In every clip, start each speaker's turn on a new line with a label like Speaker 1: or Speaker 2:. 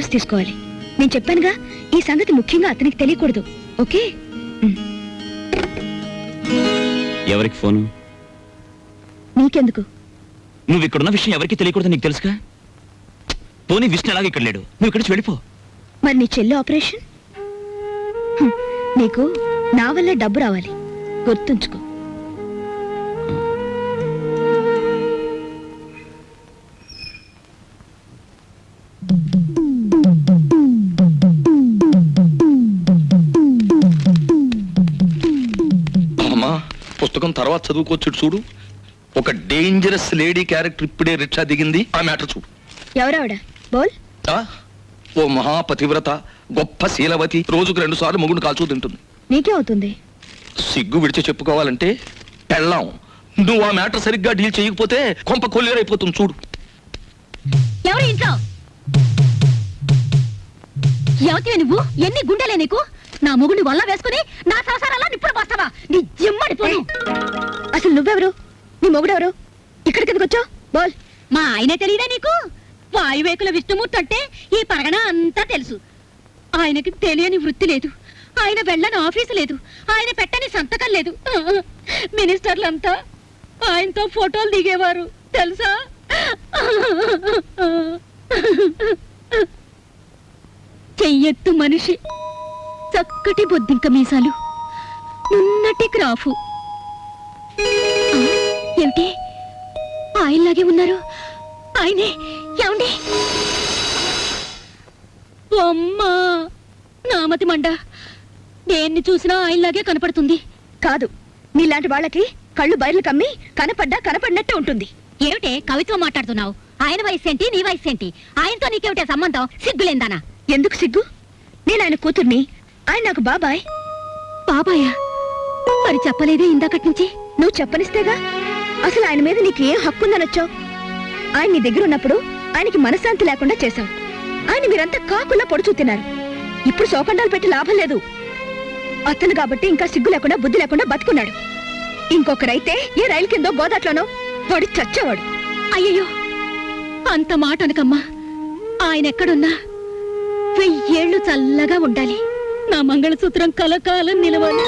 Speaker 1: Address తీసుకోవాలి. నేను చెప్పానుగా, ఈ సంగతి ముఖ్యంగా అతనికి తెలియకూడదు. ఓకే?
Speaker 2: ఎవరికి ఫోను?
Speaker 1: నీకెందుకు?
Speaker 2: నువ్వు ఇక్కడున్న విషయం ఎవరికి తెలియకూడదు, నీకు తెలుసుగా. పోనీ విష్ణు ఎలాగ ఇక్కడ లేడు, నువ్వు ఇక్కడి నుంచి వెళ్ళిపో.
Speaker 1: మరి నీ చెల్లి ఆపరేషన్? నీకు నా వల్ల డబ్బు రావాలి, గుర్తుంచుకో.
Speaker 3: అమ్మా, పుస్తకం తర్వాత చదువుకోవచ్చు. చూడు, ఒక డేంజరస్ లేడీ క్యారెక్టర్ ఇప్పుడే రిక్షా దిగింది. ఆ మ్యాటర్ చూడు.
Speaker 1: ఎవరావిడ? బోల్.
Speaker 3: ఓ మహాపతివ్రత, గొప్ప శీలవతి, రోజుకు 2 సార్లు మొగుడు కాల్చూ తింటుంది.
Speaker 1: నీకే అవుతుంది.
Speaker 3: సిగ్గు విడిచి చెప్పుకోవాలంటే పెళ్ళాం. నువ్వు ఆ మ్యాటర్ సరిగ్గా డీల్ చేయకపోతే కొంప కొల్లేరైపోతుంది. చూడు.
Speaker 4: ఎవరు ఇంట్లో? ఎవతివే నువ్వు? ఎన్ని గుండెలే నీకు? నా మొగుడిని వల్ల వేసుకుని నా సంసారాల్లో నిప్పుడు పోస్తావా? నీ జిమ్మడి పోను.
Speaker 1: అసలు నువ్వెవరు? నీ మొగుడెవరు? ఇక్కడికి ఎందుకు వచ్చావు? బోల్.
Speaker 4: మా ఆయనే తెలియదా నీకు? వాయువేకుల విష్ణుమూర్తి అంటే ఈ పరగణ అంతా తెలుసు. ఆయనకి తెలియని వృత్తి లేదు, ఆయన వెళ్ళని ఆఫీసు లేదు, ఆయన పెట్టని సంతకం లేదు. మినిస్టర్లంతా ఆయనతో ఫోటోలు దిగేవారు తెలుసా? చెయ్యెత్తు మనిషి, చక్కటి బొద్దింక మీసాలు, నున్నటి గ్రాఫు. ఏమిటి ఆయనలాగే ఉన్నారు? ఆయనే. ఏమండి? అమ్మా, నామతి మండ, దేన్ని చూసినా ఆయనలాగే కనపడుతుంది.
Speaker 1: కాదు, నీలాంటి వాళ్ళకి కళ్ళు బయర్లు కమ్మి కనపడినట్టే ఉంటుంది.
Speaker 4: ఏమిటే కవిత్వం మాట్లాడుతున్నావు? ఆయన వయసు ఏంటి, నీ వయసు ఏంటి? ఆయనతో నీకేమిటే సంబంధం? సిగ్గులేందానా?
Speaker 1: ఎందుకు సిగ్గు? నేను ఆయన కూతుర్ని, ఆయన నాకు బాబాయ్.
Speaker 4: బాబాయా? మరి చెప్పలేదే ఇందాకటి నుంచి?
Speaker 1: నువ్వు చెప్పనిస్తేగా. అసలు ఆయన మీద నీకు ఏం హక్కుందని వచ్చావు? ఆయన నీ దగ్గర ఉన్నప్పుడు ఆయనకి మనశ్శాంతి లేకుండా చేశావు. ఆయన మీరంతా కాకులా పొడుచూ తిన్నారు. ఇప్పుడు శోకండాలు పెట్టి లాభం లేదు. అతను కాబట్టి ఇంకా సిగ్గు లేకుండా బుద్ధి లేకుండా బతుకున్నాడు. ఇంకొకరైతే ఏ రైలు కిందో గోదాట్లోనో వాడు చచ్చేవాడు.
Speaker 4: అయ్యయ్యో, అంత మాట అనకమ్మా. ఆయన ఎక్కడున్నా 1000 ఏళ్ళు చల్లగా ఉండాలి. నా మంగళసూత్రం కలకాలం నిలవాలి.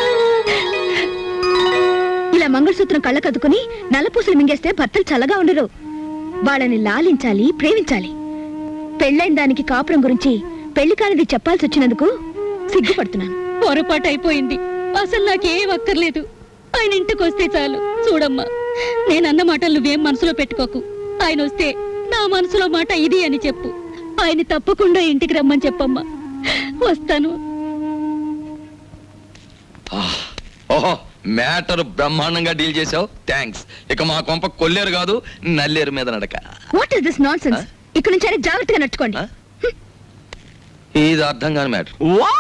Speaker 1: ఇలా మంగళసూత్రం కళ్ళకద్దుకుని నల్లపూసలు మింగేస్తే భర్తలు చల్లగా ఉండరు. వాళ్ళని లాలించాలి, ప్రేమించాలి. పెళ్ళైన దానికి కాపురం గురించి పెళ్లి కానిది చెప్పాల్సి వచ్చినందుకు సిగ్గుపడుతున్నాను.
Speaker 4: పొరపాటు అయిపోయింది. అసలు నాకేం అక్కర్లేదు. ఆయన ఇంటికి వస్తే చాలు. చూడమ్మా, నేనన్న మాటలు నువ్వేం మనసులో పెట్టుకోకు. ఆయన వస్తే నా మనసులో మాట ఇది అని చెప్పు. ఆయన తప్పకుండా ఇంటికి రమ్మని చెప్పమ్మా. వస్తాను.
Speaker 3: ఓహో, మ్యాటర్ బ్రహ్మాండంగా డీల్ చేసావు. థ్యాంక్స్. ఇక మా కొంప కొల్లేరు కాదు, నల్లేరు మీద నడక.
Speaker 1: What is this nonsense? ఇక్కడ నుంచి అయినా జాగ్రత్తగా నడుచుకోండి.
Speaker 3: ఇది అర్థం కాని మ్యాటర్.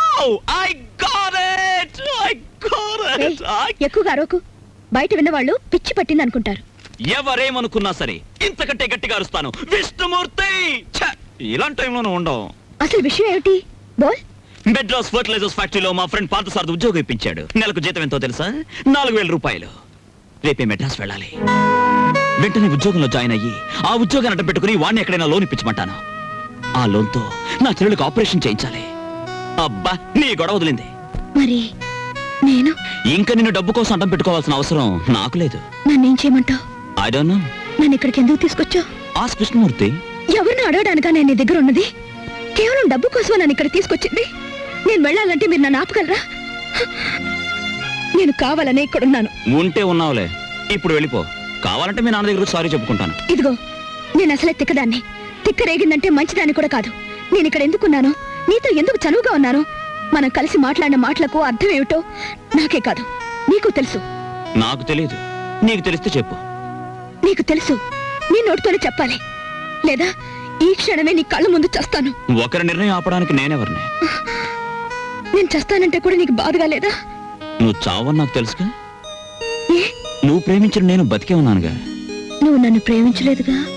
Speaker 1: ఎక్కువగా అరవకు. బయట విన్నవాళ్ళు పిచ్చి పట్టింది అనుకుంటారు.
Speaker 2: ఎవరేమనుకున్నా సరే ఇంతకంటే గట్టిగా అరుస్తాను. విష్ణుమూర్తి! ఇలాంటి టైంలోనూ ఉండవు.
Speaker 1: అసలు విషయం ఏమిటి? బోల్.
Speaker 2: మెడ్రాస్ ఫర్టిలైజర్స్ ఫ్యాక్టరీలో మా ఫ్రెండ్ పార్థసారథి ఉద్యోగం ఇప్పించాడు. నెలకు జీతం ఎంతో తెలుసా? 4000 రూపాయలు. రేపే మెడ్రాస్ వెళ్ళాలి. వెంటనే ఉద్యోగంలో జాయిన్ అయ్యి ఆ ఉద్యోగాన్ని అడ్డం పెట్టుకుని వాడిని ఎక్కడైనా లోన్ ఇప్పించమంటాను. ఆ లోన్తో నా చెల్లెలకు ఆపరేషన్ చేయించాలి. అబ్బా, నీ గొడవ వదిలింది.
Speaker 1: మరి నేను
Speaker 2: ఇంకా నిన్ను డబ్బు కోసం అడ్డం పెట్టుకోవాల్సిన అవసరం నాకు లేదు.
Speaker 1: నన్నేం చేయమంటావు?
Speaker 2: I don't know.
Speaker 1: నన్ను ఇక్కడికి ఎందుకు తీసుకొచ్చావు?
Speaker 2: ఆస్క్ విష్ణుమూర్తి.
Speaker 1: ఎవరిని అడగడానికా నేను నీ దగ్గర ఉన్నది? కేవలం డబ్బు కోసం నన్ను ఇక్కడ తీసుకొచ్చింది. నేను వెళ్ళాలంటే మీరు నన్ను ఆపగలరా? నేను కావాలనే ఇక్కడున్నాను.
Speaker 2: ఉంటే ఉన్నావులే, ఇప్పుడు వెళ్ళిపో. కావాలంటే మీ నాన్న దగ్గర సారీ చెప్పుకుంటాను.
Speaker 1: ఇదిగో, నేను అసలే తిక్కదాన్ని. తిక్క రేగిందంటే మంచిదాన్ని కూడా కాదు. నేను ఇక్కడ ఎందుకున్నాను, నీతో ఎందుకు చనువుగా ఉన్నాను, మనం కలిసి మాట్లాడిన మాటలకు అర్థం ఏమిటో నాకే కాదు నీకు తెలుసు.
Speaker 2: నాకు తెలియదు, నీకు తెలిస్తే చెప్పు.
Speaker 1: నీకు తెలుసు, నీ నోటితోనే చెప్పాలి. లేదా ఈ క్షణమే నీ కళ్ళ ముందు చస్తాను.
Speaker 2: ఒకరి నిర్ణయం ఆపడానికి నేనెవరిని?
Speaker 1: నేను చస్తానంటే కూడా నీకు బాధగా లేదా?
Speaker 2: నువ్వు చావని నాకు తెలుసుగా. నువ్వు ప్రేమించిన నేను బతికే ఉన్నానుగా.
Speaker 1: నువ్వు నన్ను ప్రేమించలేదుగా.